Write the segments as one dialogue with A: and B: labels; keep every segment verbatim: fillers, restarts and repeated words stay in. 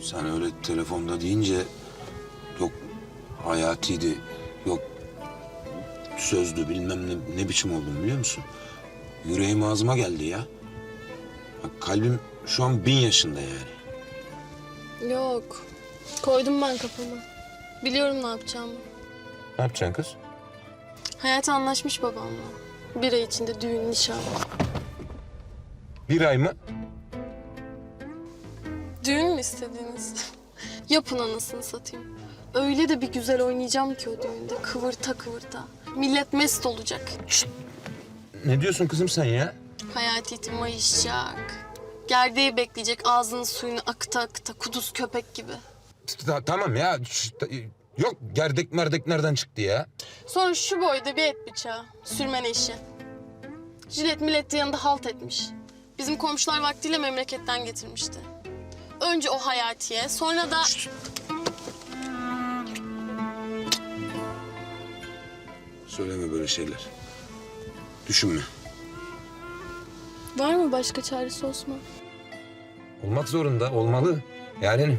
A: Sen öyle telefonda deyince yok Hayati'ydi, yok sözdü bilmem ne, ne biçim oldum biliyor musun? Yüreğim ağzıma geldi ya. Bak, kalbim şu an bin yaşında yani.
B: Yok. Koydum ben kafama. Biliyorum ne yapacağımı.
A: Ne yapacaksın kız?
B: Hayat anlaşmış babamla. Bir ay içinde düğün, nişan.
A: Bir ay mı?
B: Düğün mü istediğiniz? Yapın anasını satayım. Öyle de bir güzel oynayacağım ki o düğünde. Kıvırta kıvırta. Millet mest olacak.
A: Ne diyorsun kızım sen ya?
B: Hayati mayışacak. Gerdeği bekleyecek, ağzının suyunu akıta akıta, kuduz köpek gibi.
A: Ta- tamam ya. Şş, ta- yok gerdek merdek nereden çıktı ya?
B: Sonra şu boyda bir et bıçağı, sürmene işi. Jilet millet de yanında halt etmiş. Bizim komşular vaktiyle memleketten getirmişti. Önce o Hayati'ye, sonra da...
A: Söyleme böyle şeyler. Düşünme.
B: Var mı başka çaresi Osman?
A: Olmak zorunda, olmalı. Yani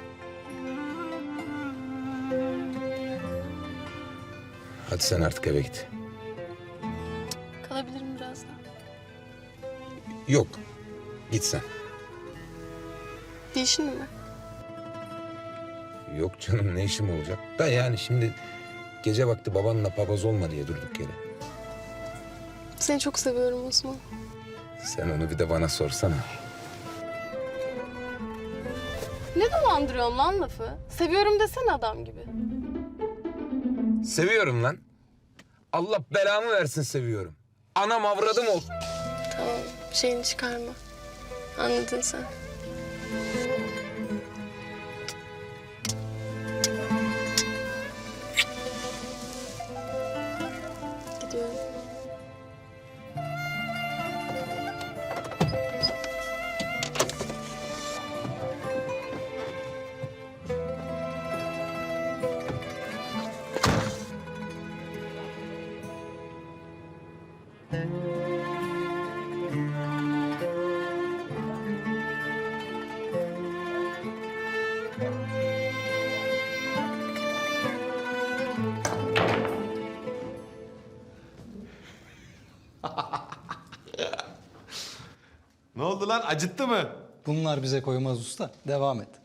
A: hadi sen artık eve git.
B: Kalabilirim biraz daha.
A: Yok, git sen.
B: Bir işin mi var?
A: Yok canım, ne işim olacak? Da yani şimdi gece vakti babanla papaz olma diye durduk yere.
B: Seni çok seviyorum Osman.
A: Sen onu bir de bana sorsana.
B: Ne dolandırıyorsun lan lafı? Seviyorum desene adam gibi.
A: Seviyorum lan. Allah belamı versin seviyorum. Anam avradım ol.
B: Tamam, şeyini çıkarma. Anladın sen. Gidiyorum.
C: Ne oldu lan? Acıttı mı?
D: Bunlar bize koymaz usta. Devam et.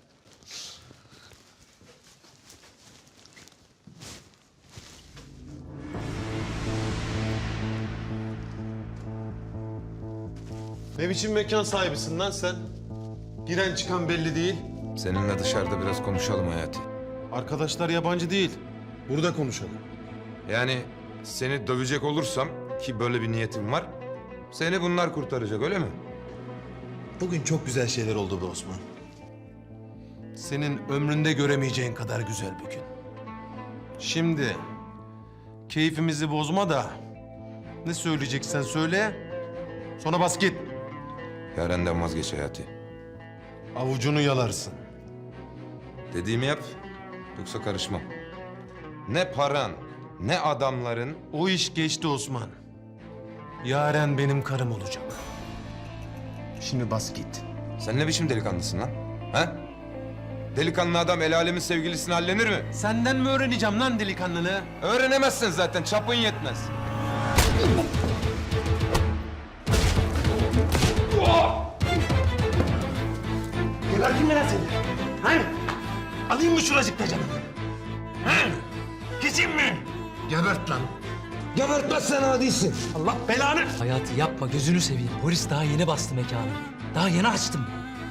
C: Ne biçim mekan sahibisin lan sen? Giren çıkan belli değil.
A: Seninle dışarıda biraz konuşalım Hayati.
C: Arkadaşlar yabancı değil. Burada konuşalım.
A: Yani seni dövecek olursam ki böyle bir niyetim var. Seni bunlar kurtaracak öyle mi?
C: Bugün çok güzel şeyler oldu be Osman. Senin ömründe göremeyeceğin kadar güzel bir gün. Şimdi keyfimizi bozma da ne söyleyeceksen söyle. Sonra bas git.
A: Yaren'den vazgeç Hayati.
C: Avucunu yalarsın.
A: Dediğimi yap yoksa karışmam. Ne paran ne adamların.
C: O iş geçti Osman. Yaren benim karım olacak. Şimdi bas git.
A: Sen ne biçim delikanlısın lan? Ha? Delikanlı adam el alemin sevgilisini hallenir mi?
C: Senden mi öğreneceğim lan delikanlılığı?
A: Öğrenemezsin zaten, çapın yetmez.
E: Gebertin mi lan seni? Ha? Alayım mı şuracıkta canını? Ha? Keseyim mi? Gebert lan.
A: Gebertmezsen adisin.
E: Allah belanı.
F: Hayati yapma gözünü seveyim. Polis daha yeni bastı mekanı. Daha yeni açtım.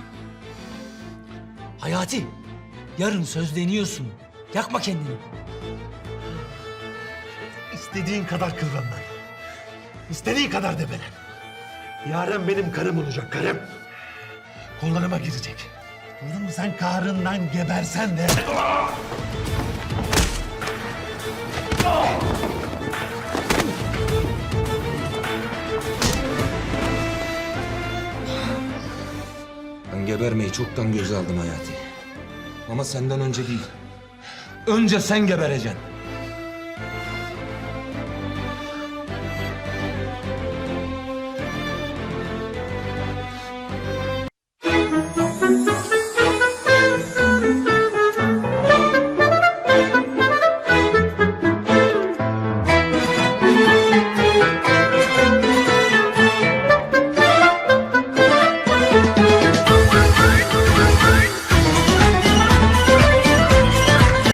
F: Hayati, yarın sözleniyorsun. Yakma kendini.
E: İstediğin kadar kıvran lan. İstediğin kadar debelen. Yaren benim karım olacak, karım. Kollarıma girecek. Anladın mı? Sen kahrından gebersen de...
A: Ben gebermeyi çoktan göze aldım Hayati. Ama senden önce değil. Önce sen gebereceksin.